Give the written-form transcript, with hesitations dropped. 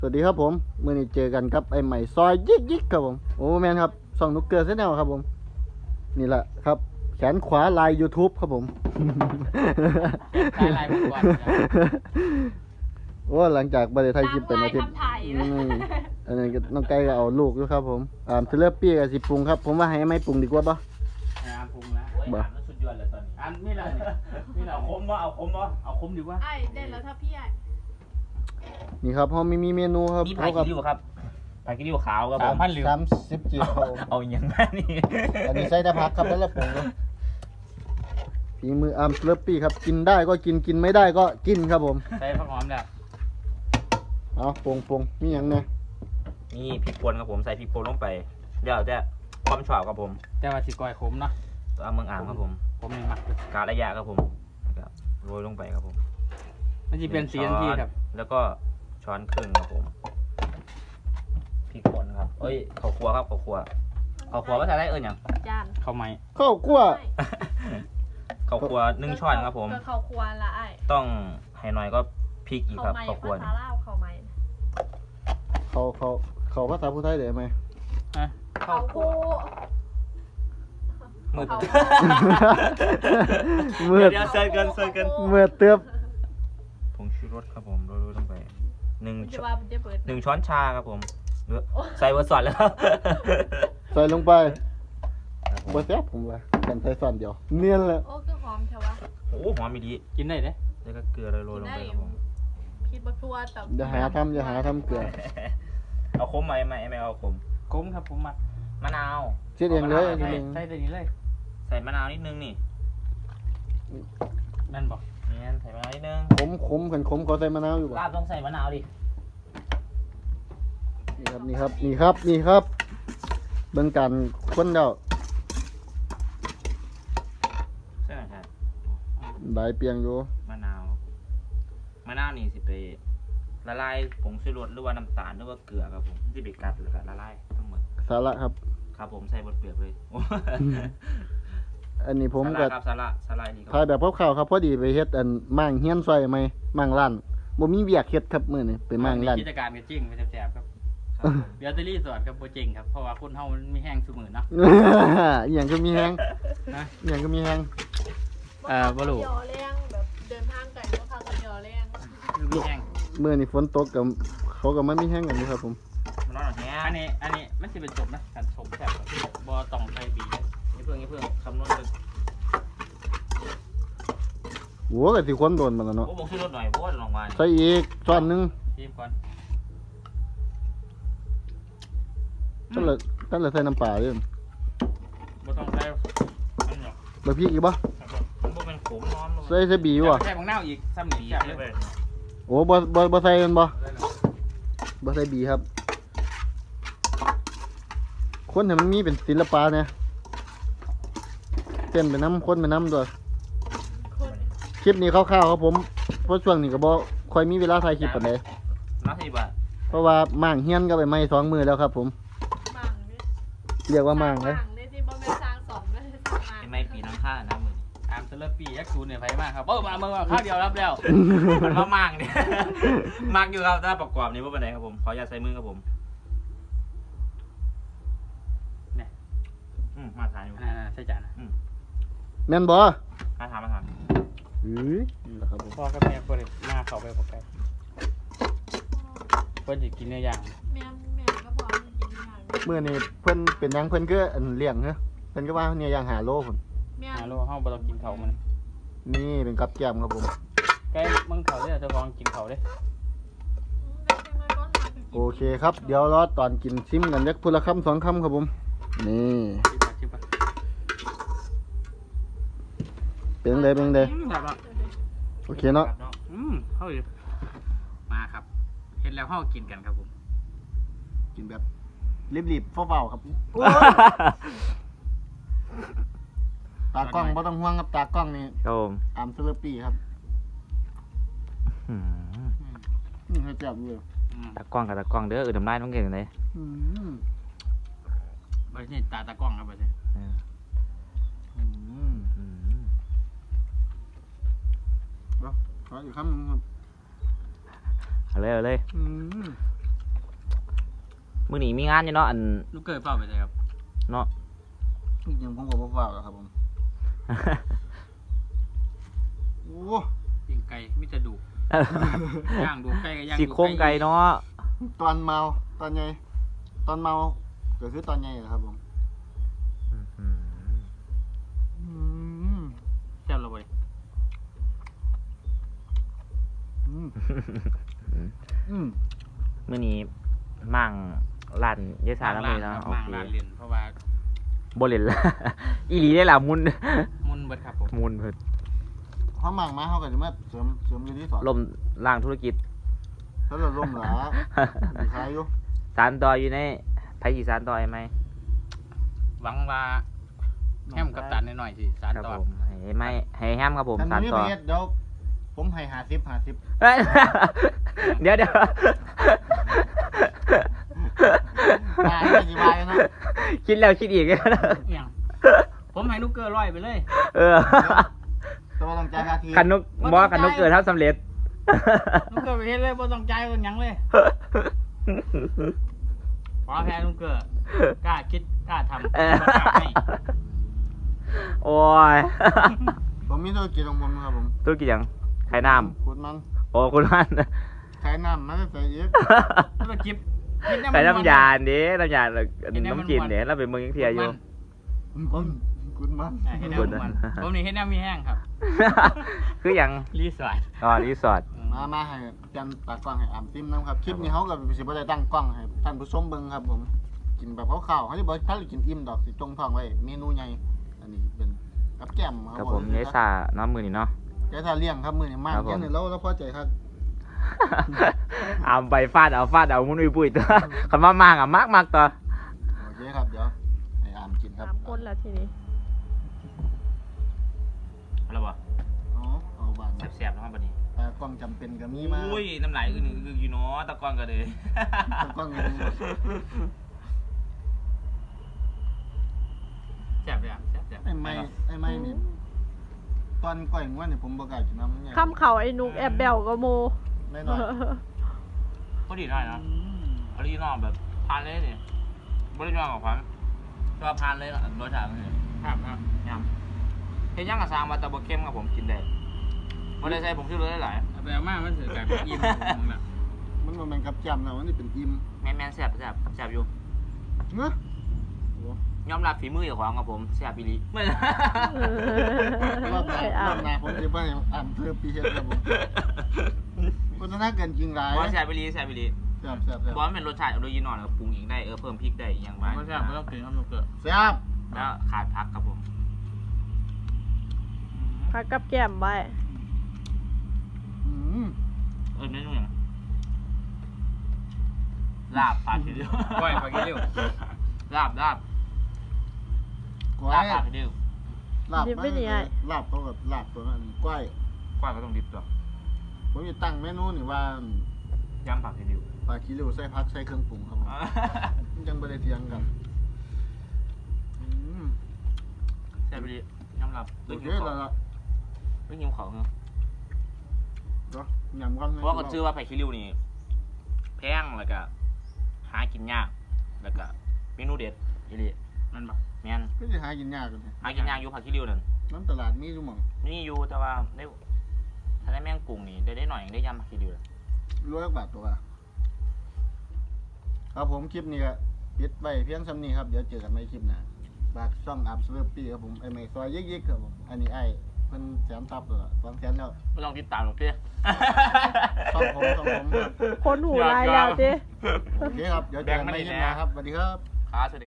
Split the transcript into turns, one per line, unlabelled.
สวัสดีครับผมมื่อนี้เจอกันกับไอ้ใหม่ซอยยิกครับผมโอ้แมนครับส่องนุกเกอร์เส้นแนวครับผมนี่แหละครับแขนขวาลาย YouTube ครับผม
ลายก่อน
โอ้หลังจากบริไทยคลิปเป็นอาทิตย์อันนี้น้องไก่ก็เอาลูกด้วยครับผมเทเลปี้กับสิปรุงครับผมว่าให้ไม่ปรุงดีกว่าปะ
ปรุงแล้วมันสุดยอดเลยตอนนี้ไม่เลยนี่เอาคมวะเอาคมดีกว่า
ไอ้ได้แล้วถ้าพี่ไอ้
นี่ครับเขามีเมนูครับ
นี่ผักกิริ้วครับผักกิริ้วขาวครับผม
30 จีบครับผม
เอาอย่างนั้นนี่
อันนี้ใส่แต่ผักครับแล้วละปรุงครับฝีมือเทเลปี้ครับกินได้ก็กินไม่ได้ก็กินครับผม
ใส่ผักหอมแล้ว
เอาปรุงมีอย่างเนี่ย
นี่พริกป่นครับผมใส่พริกป่นลงไปเดี๋ยวจะความฉ่ำครับผม
แต่ว่าสิก้อยขมเนาะ
ตัวเมืองอ่างครับผม
นี่มัก
กาละยาครับผมโรยลงไปครับผม
มันจะเป็นสีทันทีครับ
แล้วก็ช้อนครึ่งครับผมพริกป่นครับเอ้ยข้าวคั่วครับข้าวคั่วภาษาไทยอย่าง
จาน
ข้าวไหม
ข้าวคั่ว
ข้าวคั่ว1 ช้อนครับผม
ข้าวคั่วละไอ้
ต้องให้หน่อยก็พริกอีกครับข้าวคั่ว
ภาษาลาวข้าวไหม
เขาภาษาพูดไทยได้ไหม
ข้าวคั่ว
มืด
เมื่อ
เดี๋ยวเซิร์ฟกัน
เมื่อเติบ
ผงชูรสครับผมโรยลงไป1 ช้อนชาครับผมใส่เบอร์สอนแล้ว
ใส่ลงไปบะแซ่บผมว่ากันใส่ส่วนเดียวเนียนเลย
โอ้คือหอมเถอะวะ
โอ้หอมมีดี
กินได้เด้
แล้วก็เกลือโรยลงไปครับผม
คิดบักทัวแต่
อย่าหาทำเกลือ
เอาคมไหมไม่เอาคม
ครับผม
มะนาว
เช็ดเองเลย
ใส่ตัวนี้เลย
ใส่มะนาวนิดนึงนี่
นั่นบอก
เนี่ยใส่มะนาวนิดนึง
ขมเขาใส่มะนาวอยู่ป่ะ
ลาบต้องใส่มะนาวดิ
นี่ครับเบิ่งการคนเดา
ใช่ใช่
ใบเปียงอยู่
มะนาวนี่สิไปละลายผงชูรสหรือว่าน้ำตาลหรือว่าเกลือครับผมที่ไปกัดหรือกัดละลายทั้งหมด
สาระครับ
ผมใส่บดเปลือกเลย
อันนี้ผมก็
สาระนี่
ถ่ายแบบคร่าวๆครับพอดีไปเฮ็ดอันมั่งเฮียนซอยไหมมั่งร้านบ่มีเวียกเฮ็ดครับมื้อนี้ไปมั่งร้าน
กิจการก็จริงไปแซ่บๆครับเดี๋ยวจะรีสอร์ทกับโปรเจกต์ครับเพราะว่าคนเฮามันมีแห้งซุมื้อเนาะ
อย่างก็มีแฮงอย่างก็มีแฮง
บ่รู้
ยอแรงแบบเดินทางไกลก็พากันยอแรง
มีแห้ง
มื้อนี้ฝนตกกับเขาก็มันมีแฮงกันอยู่ครับผม
มันร้อนแฮง
อันนี้มันสิเป็นสมนะกันสมแซ่บบ่ต้องใส่บี
นี่เพิ่งคำนวณกัน
โหก็สิคนโดนมันแล้วเนาะ
โอ้บ่ซื้อรถหน่อยเพราะว่าลงมา
ใส่อีกช้อนนึง
ชิมก่อน
ตั้งแต่ใส่น้ำปลาเด้อ
บ่ต้องใส่อันหรอก
บ่พริกอีกบ่
มันบ่เป็นขมนอน
ใส่บีบ่
ใส่บักนาวอีกซ้ำนี่แซ่บเลย
โอ้บ่ใส่กันบ่ใส่บีครับคนให้มันมีเป็นศิลปะเนี่ยเต้นไปน้ำคนไปน้ำด้วยคลิปนี้คร่าวๆครับผมเพราะช่วงนี้ก็บ่ค่อยมีเวลาถ่ายคลิปปานใดเพราะว่ามั่งเฮียนก็ไปไม่2 มื้อแล้วครับผมเรียกว่ามั่งเลย
ไม่ปีน้ำข้านะมือ
เซเลปียักษ์ศูนย์เนี่ยไฟมากครับมาเมื่อข้าวเดียวรับแล้ว
มันมากเนี่ยมากอยู่ครับถ้าประกอบนี้ว่าเป็นไงครับผมขออย่าใส่มือครับผม
เนี่ย
มาทานอยู่
ใช่จาน
แม่นบ่
มาทาน
นี่แหละครับผม
พ่อกับแม่คนมาเขาไปบอกกันเพิ่นจะกินเนื้อย่าง
แม่ก็พอกินอย่าง
เมื่อนี้เพิ่นเป็นยังเพิ่นก็เลี้ยงเนาะเพิ่นก็ว่าเนี่ยยัง5 โลพุ่น
5 โลเฮาบ่ต้องกินเขามัน
นี่เป็นกับแก้มครับผม
แกมึงเขาเด้อเจ้าของกินเขาเด้
โอเคครับเดี๋ยวรอตอนกินชิมกันจักพุ่นละคำ2 คำครับผมนี่เป็นไงโอเคเนาะ
เฮ้ยมาครับเห็นแล้วเฮากินกันครับผม
กินแบบรีบๆเฝ้าๆครับตากล้องไม่ต้องห่วงครับตากล้องนี่
ครับ
เซเลปี้ครับให้จับเลย
ตากล้องกับตากล้องเด้อทำได้ต้องเก่งเลย
ไปนี่ตากล้องครับไปสิ
ขออีกคำนึงครับ
เอาเลยมื้อนี้มีงานอยู่เนาะอัน
ลูกเกิดเปล่าไปเลยครับ
เนาะ
จริงๆผมก็บ่ฟ้าวแล้วครับผมโอ้
ยิงไก่มิจะดูย่างดูไก่ก็ย่าง
สิโครงไก่เนาะ
ตอนเมาตอนใหญ่ตอนเมาก็คือตอนใหญ่ครับผม
เจ้าละเว้ย
มื้อนี้มั่งร้านยายสาแล้วมื้อเนาะโอ
มั่ง
เค
ร้านเรียนเพราะว่า
บ่เล่นละ อีหลีได้ล่ะมุน
มุนเบิดครับผม
มุนเพิ่น
เขามั่งมาเขาก็จะมาเสริมอยู่ที่สอน
ล่มล่างธุรกิจ
ถ้าเราล่มหลาดีขายอยู่
สารต่ออยู่ในไผสิสารต่อให้ไหม
หวังว่าแฮมกับตันหน่อยๆสิสาร
ครับ
ต่อ
ผมให้ไหมให้แฮมครับผม
ท่าน
สาร
นี้
ต่
ไป
อ
เฮ็ดเดี๋ยวผมให้50
เอ้ย เดี๋ยว
ตายไม่สิบายนะ
คิดแล้วคิดอีก
อย่างผมให้ลูกเกิดร้อยไปเลย
เออ
แต่ว่าต้องจ่ายค่าที
คันนกบ่คันนกเกิดทำสำเร็จ
ลูกเกิดไปเฮ็ดเลยบ่ต้องจ่ายบ่ต้องหยังเลยขอแพ้ลูกเกิดกล้าคิดกล้าทำ
เออ
บ่กล้าให้
โอ้ย
ผมมีธุรกิจของผมนะครับผม
ธุรกิจหยังขายน้
ขุดมัน
ำโอ้คุณมัน
ขายน้ำมันก็ใส่อีก
ธุรกิจคิดได้
ขาย
มั
น้ำยาเด้น้ำยา
เห็นไหมมัน
น้ำกินเด้เราเป็นเมืองยังเทียอยู่
ขุดมัน
เฮ็ดแนวมันผมนี่เฮ็ดแนวมีแห้งครับ
คือหยัง
รีสอร์ท
อ๋อรีสอร์ท
มาให้จันตากล้องให้อ่ำซิมนะครับคลิปนี้เขาก็สิบ่ได้ตั้งกล้องให้ท่านผู้ชมเบิ่งครับผมกินแบบคร่าวๆเขาสิบ่ถ้ากินอิ่มดอกสิจงท้องไว้เมนูใหญ่อันนี้เป็นกับแก้ม
ครับผมยายสาน้ำมือนี่เนาะ
แกถ้าเลี้ยงครับมื้อนี้มาก
ครับผม
แค่นี้เราพอใจครับ
เอาไปฟาดเอามุนอุ้ยปุ้ยตัวคันว่ามากอ่ะมากตัว
โอเคครับเดี๋ยวให้อ่ำกินครับ
3 คนแล้วทีนี้
อะไรวะ
อ๋อเอาบาน
แซ่บๆนะครับบัดนี้
ตากล้องจำเป็นก็มีมา
อุ้ยน้ำไหลคืออยู่เนาะตะกอนก็เลย
ตากล้องมี
แซ่บอย่างแซ่บ
ไอ้ไม่นี่ตอนก่อยงวดนี่ผมบ่กล้ากินน้ำมันใหญ่
คำเขาไอ้นุกแอบแบวก็โม
แน่นอน
ก็ดีหน่อยนะออริจินอลแบบทานเลยนี่บริจินอลของผมก็ทานเลยรสชาติมันเนี่ย
ครับครับ
ย่ำเฮ็ดย่างกับซางมาตะบะเข้มครับผมกินได้บ่ได้ใส่ผมชื่อเลยหลาย
เอาไปเอามามันถือแบบอิ่มผมน่ะ
มันบ่แม่นกับแจ่มนะมันนี่เป็นอิ่ม
แม่นๆแซ่บอยู่
เนอะ
ยอมรับฝีมือเจ้าของครับผมแซ่บอีหลีไม่
รอบหน้าผมสิบ่ให้อ่านเพิ่มปีเฮ็ดครับผมคนน่าเกินจริงหลาย
บ่แซ่บอีหลี
แซ่บ
บ่มันเป็นรสชาติออริจินอลปรุงเองได้เพิ่มพริกได้อีกอย่างบ้าง
ไม่แซ่บไม่ต้องกินครับลูกเกิด
แซ่บ
แล้วขาดผักครับผม
พักกับแก้มไว้
เมนูหยังลาบปลาทีเดียว
ก้อยปลากิริ้ว
ลาบ
ก้อ
ลาย บปลาทีเดียว
ลาบลาบเขากับลาบตัวนั้นก้อย
กว้างก็ต้องดิบตัว
ผมจะตั้งเมนูนี่ว่าย
ำผักทีเดียว
ปลาคิริวใส่ผักใส่เครื่องปรุงครับผมมันจังบ่ได้เถียงกัน
แซ่บอีหลียำรับ
โอ
ด้วย
เค
หิว
แล้ว
เขา
ล่ะ
ด้วยหิวเขาเนาะ
เนาะยำกัน
เพราะว่าก็ชื่อว่าไผ่คิริวนี่แพงแล้วก็หากินยากแล้วก็เมนูเด็ดอีหลี
มันแบบ
แม่น
ก็สิหากินยากกัน
หากินยากอยู่ผักคิริวนั่น
น้ำตลาดมีอยู่หม่อง
นี่อยู่แต่ว่าได้ถ้าได้แม่งกุ้งนี่ได้หน่อยยังได้ยำผักคิริวเลย
ร้อยบาทตัวครับผมคลิปนี้ก็ปิดไว้เพียงส่ำนี้ครับเดี๋ยวเจอกันใหม่คลิปหน้าฝากช่องอัพสเวอร์ปี้ครับผมไอ้ไม่ซอยยิกๆครับผมอันนี้ไอ้เพิ่นแสนตับแล้ว200,000แล้ว
ไม่ต้องติดตามหรอกเจ้
ต้องผมครับ
คนหูลายแล้วจิ
โอเคครับ เดี๋ยวเจอกันใหม่คลิปหน้าครับ สวัสดีครับ
ครับสวัสดี